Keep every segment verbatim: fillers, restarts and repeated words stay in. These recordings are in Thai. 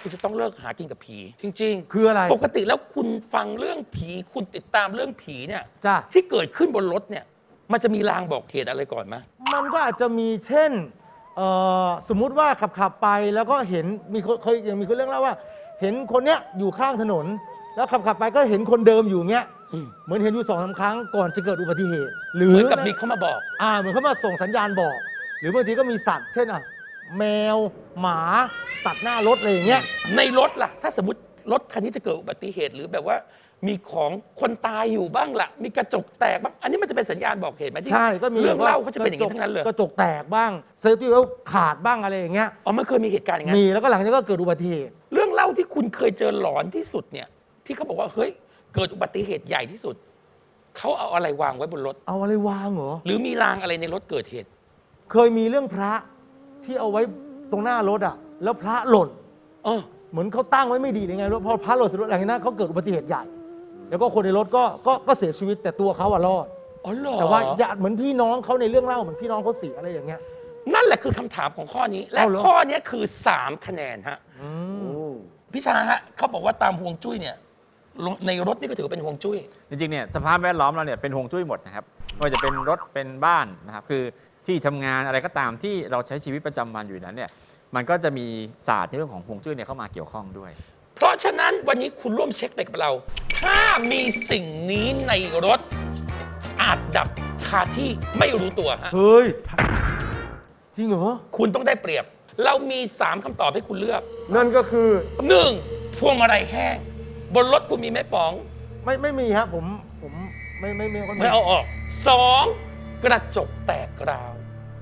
คุณจะต้องเลิกหากินกับผีจริงๆคืออะไรปกติแล้วคุณฟังเรื่องผีคุณติดตามเรื่องผีเนี่ยจ้ะที่เกิดขึ้นบนรถเนี่ยมันจะมีลางบอกเหตุอะไรก่อนไหมมันก็อาจจะมีเช่นเอ่อสมมุติว่าขับขับไปแล้วก็เห็นมีคนเคยยังมีคนเรื่องเล่าว่า เห็นคนเนี้ยอยู่ข้างถนน แล้วขับขับไปก็เห็นคนเดิมอยู่เงี้ยอืมเหมือนเห็นอยู่สองสาครั้งก่อนจะเกิดอุบัติเหตุ หรืเหอมือนกับมีเขามาบอกอ่าเหมือนเขามาส่งสัญญาณบอก หรือบางทีก็มีสัตว์ เช่นอ่ะแมวหมาตัดหน้ารถอะไรอย่างเงี้ยในรถล่ะ ถ้าสมมติรถคันนี้จะเกิดอุบัติเหตุ หรือแบบว่ามีของคนตายอยู่บ้างล่ะ มีกระจกแตกบ้างอันนี้มันจะเป็นสัญญาณบอกเหตุไหมที่ใช่ก็มีเรื่องว่เล่าเขาจะเป็นอย่างนี้ทั้งนั้นเลยกระจกแตกบ้างเซฟตี้เวลขาดบ้างอะไรอย่างเงี้ยอ๋อมันเคยมีเหตุการณ์อย่างนั้นมีแล้วก็หลังจากนั้นก็เกิดอุบัติเหตุเรื่องเล่าที่คุณเคยเจอหลอนที่สุดเนี่ย ที่เขาบอกว่าเฮ้ยเกิดอุบัติเหตุใหญ่ที่สุดเขาเอาอะไรวางไว้บนรถเอาอะไรวางเหรอหรือมีรางอะไรในรถเกิดเหตุเคยมีเรื่องพระที่เอาไว้ตรงหน้ารถอ่ะ แล้วพระหล่นเออเหมือนเขาตั้งไว้ไม่ดียังไงรถพอพระหล่นเสร็จหลังจากนั้นเขาเกิดอุบัติเหตุใหญ่ แล้วก็คนในรถก็ก็ก็เสียชีวิตแต่ตัวเขาอะรอดอ๋อเหรอแต่ว่าญาติเหมือนพี่น้องเขาในเรื่องเล่าเหมือนพี่น้องเขาเสียอะไรอย่างเงี้ยนั่นแหละคือคำถามของข้อนี้ และเอาเหรอข้อนี้คือสามคะแนนฮะอืมพี่ชาฮะเขาบอกว่าตามฮวงจุ้ยเนี่ยในรถนี่ก็ถือว่าเป็นฮวงจุ้ยจริงๆเนี่ยสภาพแวดล้อมเราเนี่ยเป็นฮวงจุ้ยหมดนะครับไม่ว่าจะเป็นรถเป็นบ้านนะครับคือที่ทำงานอะไรก็ตามที่เราใช้ชีวิตประจำวันอยู่นั้นเนี่ยมันก็จะมีศาสตร์ในเรื่องของฮวงจุ้ยเนี่ยเข้ามาเกี่ยวข้องด้วยเพราะฉะนั้นวันนี้คุณร่วมเช็คไปกับเรา ถ้ามีสิ่งนี้ในรถอาจดับคาที่ไม่รู้ตัวฮะเฮ้ยจริงเหรอคุณต้องได้เปรียบ เรามีสามคำตอบให้คุณเลือกนั่นก็คือหนึ่งพวงมาลัยแห้ง บนรถคุณมีไหมป๋องไม่ไม่มีครับผมผมไม่ไม่ไม่ค่อยมีไม่เอาออกสองกระจกแตกราว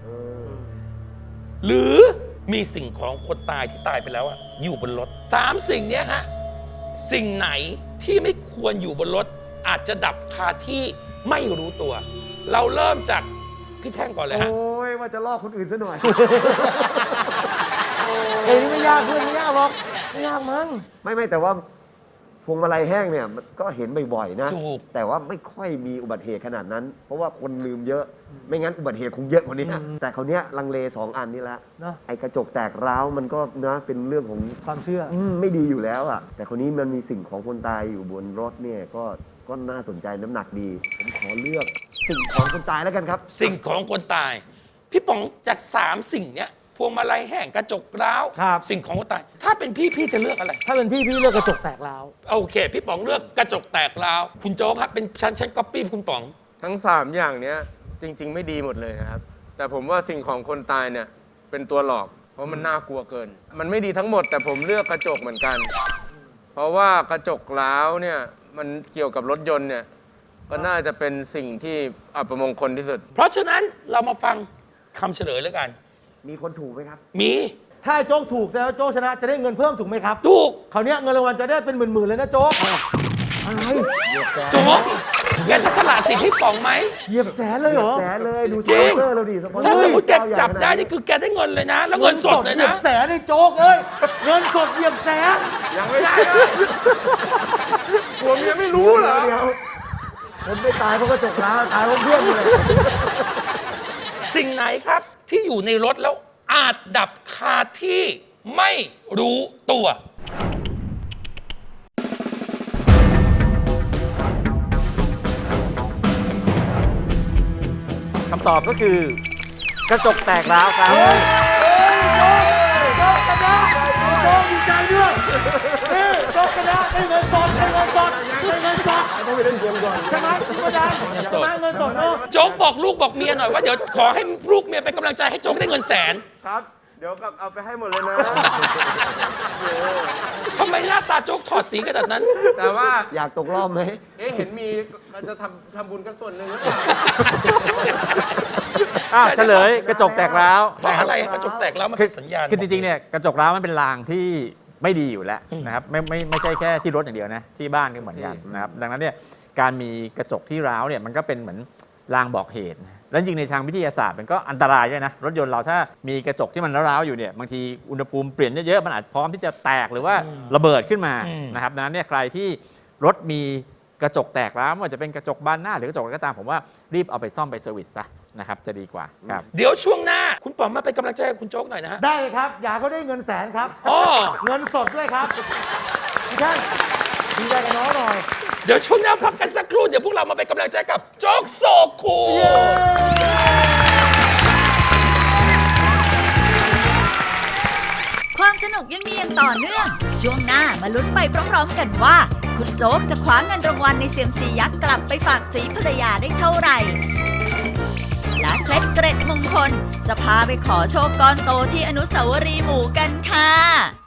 หรือมีสิ่งของคนตายที่ตายไปแล้วอะอยู่บนรถสามสิ่งเนี้ยฮะสิ่งไหนที่ไม่ควรอยู่บนรถ อาจจะดับคาที่ไม่รู้ตัว เราเริ่มจากพี่แท่งก่อนเลยฮะโอ้ยว่าจะลอกคนอื่นซะหน่อยเอ้ยนี่ไม่ยากเพื่อนไม่ยากหรอกไม่ยากมั้งไม่ไม่แต่ว่าพวงมาลัยแห้งเนี่ยมันก็เห็นบ่อยๆนะถูกแต่ว่าไม่ค่อยมีอุบัติเหตุขนาดนั้น เพราะว่าคนลืมเยอะ ไม่งั้นอุบัติเหตุคงเยอะกว่านี้นะแต่เขาวเนี้ยลังเลสองอันนี้ละเนอะไอ้กระจกแตกร้าวมันก็นะเป็นเรื่องของความเชื่ออืมไม่ดีอยู่แล้วอ่ะ แต่คนนี้มันมีสิ่งของคนตายอยู่บนรถเนี่ยก็ก็น่าสนใจน้ำหนักดี ผมขอเลือกสิ่งของคนตายแล้วกันครับสิ่งของคนตาย พี่ป๋องจากสามสิ่งเนี้ยพวงมาลัยแห้งกระจกร้าวครับสิ่งของคนตาย ถ้าเป็นพี่พี่จะเลือกอะไรถ้าเป็นพี่พี่เลือกกระจกแตกร้าวโอเค พี่ป๋องเลือกกระจกแตกร้าวคุณโจ๊กครับเป็นชั้นชั้นก๊อปปี้คุณป๋องทั้งสามอย่างเนี้ยจริง ๆ ไม่ดีหมดเลยนะครับ แต่ผมว่าสิ่งของคนตายเนี่ยเป็นตัวหลอก เพราะมันน่ากลัวเกิน มันไม่ดีทั้งหมด แต่ผมเลือกกระจกเหมือนกัน เพราะว่ากระจกร้าวเนี่ยมันเกี่ยวกับรถยนต์เนี่ยก็น่าจะเป็นสิ่งที่อัปมงคลที่สุดเพราะฉะนั้นเรามาฟังคำเฉลยแล้วกันมีคนถูกไหมครับมีถ้าโจ๊กถูกแสดงว่าโจ๊กชนะจะได้เงินเพิ่มถูกไหมครับถูกคราวเนี้ยเงินรางวัลจะได้เป็นหมื่นๆเลยนะโจ๊กอะไรโจ๊กแกจะสละสิทธิ์ให้ป๋องไหมเหยียบแสนเลยเหรอแสนเลยดูสจริปอง นเซอร์เราดิสปอนเซอถ้าร์สมมติแกเจ้าใหญ่จับได้ขนานี่คือแกได้เงินเลยนะ แล้วเงินสดเลยเหยียนะบแสนในโจ๊กเอ้ยเงินสดเหยียบแสนยังไม่ได้เลยผัวเมียไม่รู้เหรอเดี๋ยวคนไม่ตายเพราะกระจกร้าวตายเพราะเพื่อนเลยสิ่งไหนครับที่อยู่ในรถแล้วอาจดับคาที่ไม่รู้ตัวคำตอบก็คือกระจกแตกร้าวครับโจ๊กชนะโจ๊กดีใจด้วยนี่โจ๊กชนะได้เงินสดได้เงินสดได้เงินสดต้องไปเล่นเกมก่อนใช่ไหมพี่ประดันใช่ไหมเงินสดเออโจ๊กบอกลูกบอกเมียหน่อยว่าเดี๋ยวขอให้ลูกเมียเป็นกำลังใจให้โจ๊กได้เงินแสนครับ เดี๋ยวกลับเอาไปให้หมดเลยนะทำไมหน้าตาโจ๊กถอดสีขนาดนั้นแต่ว่าอยากตกรอบไหมเอ๊ะเห็นมีมันจะทำทำบุญกันส่วนหนึ่งหรือเปล่าอ้าวเฉลยกระจกแตกร้าวเพราะอะไรกระจกแตกแล้วมันคือเป็นสัญญาณคือจริงๆเนี่ยกระจกร้าวมันเป็นรางที่ไม่ดีอยู่แล้วนะครับไม่ไม่ไม่ใช่แค่ที่รถอย่างเดียวนะที่บ้านก็เหมือนกันนะครับดังนั้นเนี่ยการมีกระจกที่ร้าวเนี่ยมันก็เป็นเหมือนรางบอกเหตุแล้วจริงในทางวิทยาศาสตร์มันก็อันตรายด้วยนะรถยนต์เราถ้ามีกระจกที่มันร้าวๆอยู่เนี่ยบางทีอุณหภูมิเปลี่ยนเยอะๆมันอาจพร้อมที่จะแตกหรือว่าระเบิดขึ้นมานะครับดังนั้นเนี่ยใครที่รถมีกระจกแตกแล้วไม่ว่าจะเป็นกระจกบานหน้าหรือกระจกอะไรก็ตามผมว่ารีบเอาไปซ่อมไปเซอร์วิสซะนะครับจะดีกว่าครับเดี๋ยวช่วงหน้าคุณป๋อมมาเป็นกำลังใจให้คุณโจ๊กหน่อยนะฮะได้ครับ อยากเขาได้เงินแสนครับอ๋อเงินสดด้วยครับทุกท่านดีใจกับน้องหน่อยเดี๋ยวช่วงหน้าพักกันสักครู่เดี๋ยวพวกเรามาเป็นกำลังใจกับโจ๊กโซคูความสนุกยังมีอย่างต่อเนื่อง ช่วงหน้ามาลุ้นไปพร้อมๆกันว่า คุณโจ๊กจะคว้าเงินรางวัลในเซียมซียักษ์กลับไปฝากสีภรรยาได้เท่าไหร่ และเคล็ดเกร็ดมงคล จะพาไปขอโชคก้อนโตที่อนุสาวรีย์หมู่กันค่ะ